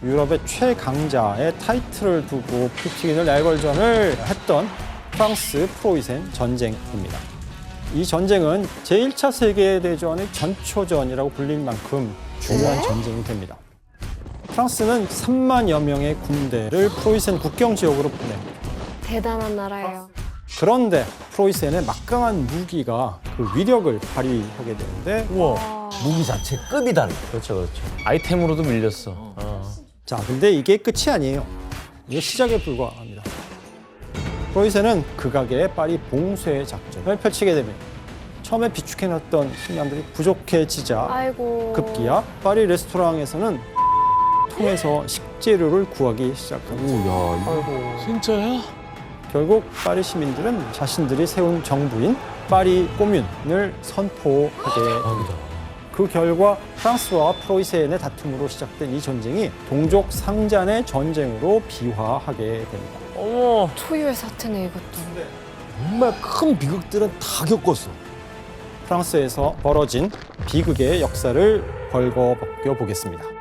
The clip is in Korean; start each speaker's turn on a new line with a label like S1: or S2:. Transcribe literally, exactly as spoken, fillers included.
S1: 유럽의 최강자의 타이틀을 두고 푸틴을 내걸전을 했던 프랑스 프로이센 전쟁입니다. 이 전쟁은 제일 차 세계대전의 전초전이라고 불릴 만큼 중요한
S2: 네?
S1: 전쟁이 됩니다. 프랑스는 삼만여 명의 군대를 프로이센 국경 지역으로 보냅니다.
S2: 대단한 나라예요.
S1: 그런데 프로이센의 막강한 무기가 그 위력을 발휘하게 되는데
S3: 우와. 무기 자체 급이 다르다.
S4: 그렇죠, 그렇죠. 아이템으로도 밀렸어. 어.
S1: 자, 근데 이게 끝이 아니에요. 이게 시작에 불과합니다. 프로이센은 극악의 파리 봉쇄 작전을 펼치게 됩니다. 처음에 비축해놨던 식량들이 부족해지자
S2: 아이고.
S1: 급기야 파리 레스토랑에서는 통해서 식재료를 구하기 시작합니다.
S3: 야, 이거
S4: 진짜야?
S1: 결국 파리 시민들은 자신들이 세운 정부인 파리 꼬뮌을 선포하게 됩니다. 그 결과 프랑스와 프로이센의 다툼으로 시작된 이 전쟁이 동족 상잔의 전쟁으로 비화하게 됩니다.
S4: 어머.
S2: 초유의 사태네 이것도.
S3: 정말 큰 비극들은 다 겪었어.
S1: 프랑스에서 벌어진 비극의 역사를 벌거벗겨 보겠습니다.